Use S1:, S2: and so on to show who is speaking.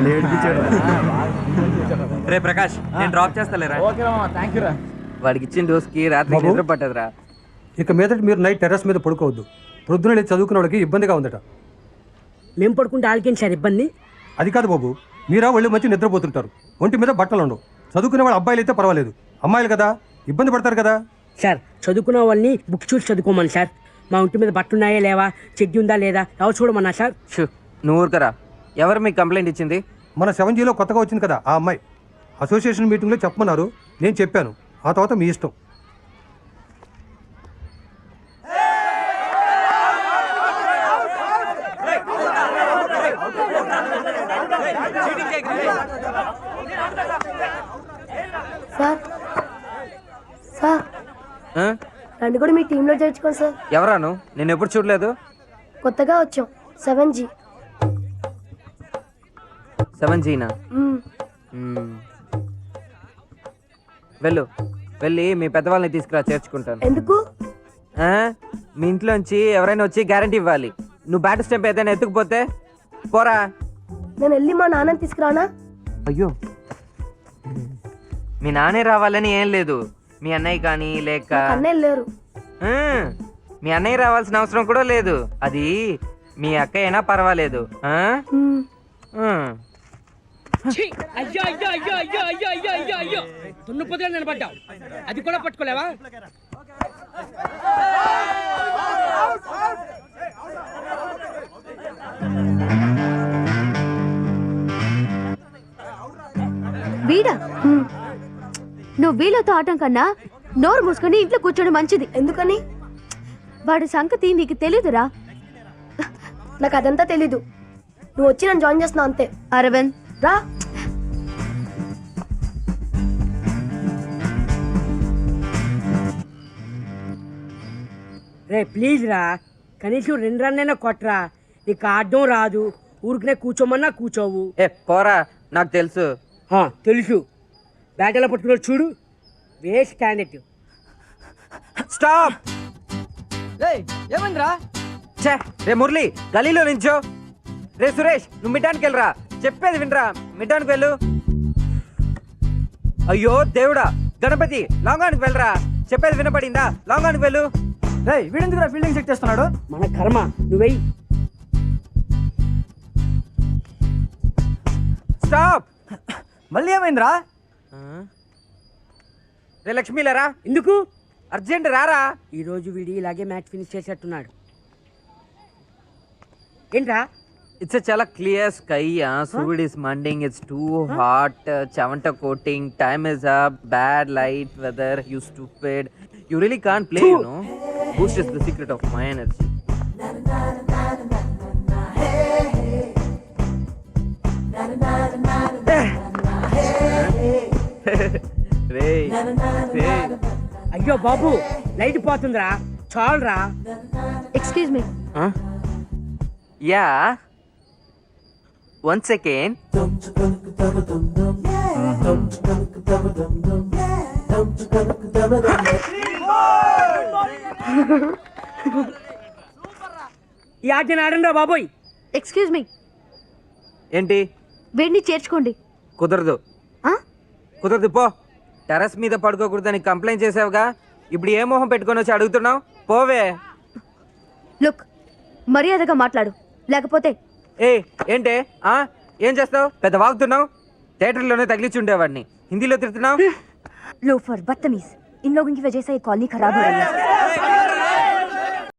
S1: రే ప్రకాష్, నేను డ్రాప్ చేస్తాలేరా. వాడికి ఇచ్చిన డోస్కి రాత్రి నిద్ర పట్టదురా.
S2: ఇక మీదట మీరు నైట్ టెర్రస్ మీద పడుకోవద్దు. ప్రొద్దున లేచి చదువుకునే వాళ్ళకి ఇబ్బందిగా ఉందట.
S3: మేము పడుకుంటే ఆలకేం సార్ ఇబ్బంది?
S2: అది కాదు బాబు, మీరా ఒళ్ళు మంచి నిద్రపోతుంటారు, ఒంటి మీద బట్టలు ఉండవు. చదువుకునే వాళ్ళు అబ్బాయిలు అయితే పర్వాలేదు, అమ్మాయిలు కదా ఇబ్బంది పడతారు కదా.
S3: సార్ చదువుకున్న వాళ్ళని బుక్ చూసి చదువుకోమని సార్. మా ఒంటి మీద బట్టున్నాయా లేవా, చెడ్డి ఉందా లేదా ఎవరు చూడమన్నా సార్.
S1: నువ్వు ఊరుకరా. ఎవరు మీకు కంప్లైంట్ ఇచ్చింది?
S2: మన 7Gలో కొత్తగా వచ్చింది కదా ఆ అమ్మాయి. అసోసియేషన్ మీటింగ్లో చెప్పమన్నారు, నేను చెప్పాను. ఆ తర్వాత మీ ఇష్టం.
S4: సార్ సార్ నన్ను కూడా మీ టీంలో చేర్చుకోండి సార్.
S1: ఎవరాను? నేను ఎప్పుడు చూడలేదు.
S4: కొత్తగా వచ్చాం 7G.
S1: 7Gనా? వెళ్ళి మీ పెద్దవాళ్ళని తీసుకురా, చేర్చుకుంటాను.
S4: ఎందుకు?
S1: మీ ఇంట్లోంచి ఎవరైనా వచ్చి గ్యారంటీ ఇవ్వాలి. నువ్వు బ్యాట్ స్టెంప్ ఏదైనా ఎత్తుకుపోతే పోరా.
S4: నేను వెళ్ళి మా నాన్నని తీసుకురానా?
S1: అయ్యో, మీ నాన్నే రావాలని ఏం లేదు. మీ అన్నయ్య కానీ లేక
S4: అన్నయ్య లేరు.
S1: మీ అన్నయ్య రావాల్సిన అవసరం కూడా లేదు. అది మీ అక్క అయినా పర్వాలేదు.
S3: దున్నపోతే నిలబడ్డావు, అది కూడా పట్టుకోలేవా?
S5: వీడా, నువ్వు వీళ్ళతో ఆటం కన్నా నోరు మూసుకొని ఇంట్లో కూర్చోడం మంచిది.
S4: ఎందుకని?
S5: వాడి సంగతి నీకు తెలీదురా.
S4: నాకు అదంతా తెలీదు. నువ్వు వచ్చి నన్ను జాయిన్ చేస్తున్నావు అంతే.
S5: అరవింద్
S4: రా.
S3: రే ప్లీజ్ రా, కనీసం 2 రన్నైనా కొట్టరా. నీకు ఆడడం రాదు, ఊరికనే కూర్చోమన్నా కూర్చోవు.
S1: పోరా, నాకు తెలుసు.
S3: తెలుసు. బ్యాట్ ఎలా పట్టుకున్నాడు చూడు, వేస్ట్ క్యాండిడేట్.
S1: స్టాప్.
S6: ఏమైందిరా?
S1: రే మురళి, గలీలో నించో. రే సురేష్, నువ్వు మిడ్డానికి వెళ్ళరా. చెప్పేది వినరా, మిడ్డానికి వెళ్ళు. అయ్యో దేవుడా, గణపతి లాంగానికి వెళ్ళరా. చెప్పేది వినపడిందా? లాంగానికి వెళ్ళు.
S6: వీడెందుకురా ఫీల్డింగ్ సెట్ చేస్తున్నాడు?
S3: మన కర్మ, నువ్వెయ్యి.
S1: స్టాప్.
S6: మళ్ళీ ఏమైందిరా?
S1: రే లక్ష్మీలరా.
S3: ఎందుకు?
S1: అర్జెంట్ రారా.
S3: ఈరోజు వీడి ఇలాగే మ్యాచ్ ఫినిష్ చేసేట్టున్నాడు. ఏంట్రా?
S1: It's a chala clear sky. Sud is manding. It's too hot. Chavanta coating. Time is up. Bad light weather. You stupid. You really can't play, you know. Boost is the secret of my energy.
S3: అయ్యో బాబు, light పోతుందిరా, చాలురా.
S5: Excuse me.
S1: Yeah. Once again.
S3: ఈ ఆటని ఆడండి రా బాబోయ్.
S5: Excuse me.
S1: ఏంటి?
S5: వీడిని చేర్చుకోండి.
S1: కుదరదు. కుదరదు, పో. టెర్రస్ మీద పడుకోకూడదని కంప్లైంట్ చేసావుగా, ఇప్పుడు ఏ మొహం పెట్టుకొని వచ్చి అడుగుతున్నావు? పోవే.
S5: లుక్, మర్యాదగా మాట్లాడు, లేకపోతే.
S1: ఏంటే? ఏం చేస్తావు? పెద్ద వాగుతున్నావు. థియేటర్లోనే తగిలించి ఉండేవాడిని, హిందీలో తిడుతున్నావు.
S5: लोफर, बदतमीज, इन लोगों की वजह से ये कॉलोनी खराब हो रही है.